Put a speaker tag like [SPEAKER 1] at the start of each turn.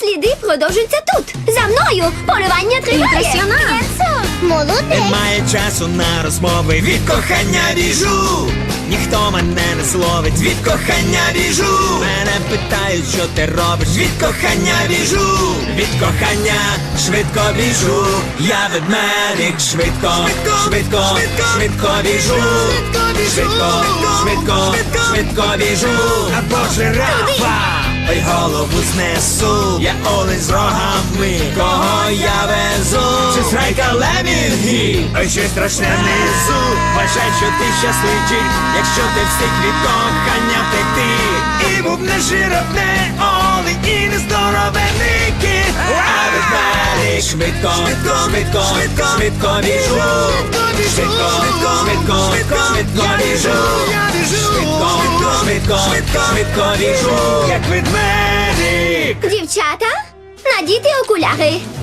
[SPEAKER 1] Сліди продовжуються тут. За мною. Полювання триває. Молодець.
[SPEAKER 2] Немає часу на розмови, від кохання біжу. Ніхто мене не зловить, від кохання біжу. Мене питають, що ти робиш, від кохання біжу. Від кохання швидко біжу. Я ведмедик, швидко, швидко, швидко біжу. Швидко, швидко, швидко біжу. Або жирафа, ой, голову знесу. Я олень з рогами, кого я везу? Чи зграйка лемінгів, ой, щось страшне внизу. Бажай, що ти щасливчик, якщо ти встиг від кохання втекти. І був не жирафне олень, і не здоровений кіт. А ведмедик швидко, швидко, швидко біжу. Швидко, швидко, швидко біжу. Швидко, швидко, швидко біжу, як ведмедик.
[SPEAKER 1] Дівчата, надійте окуляри.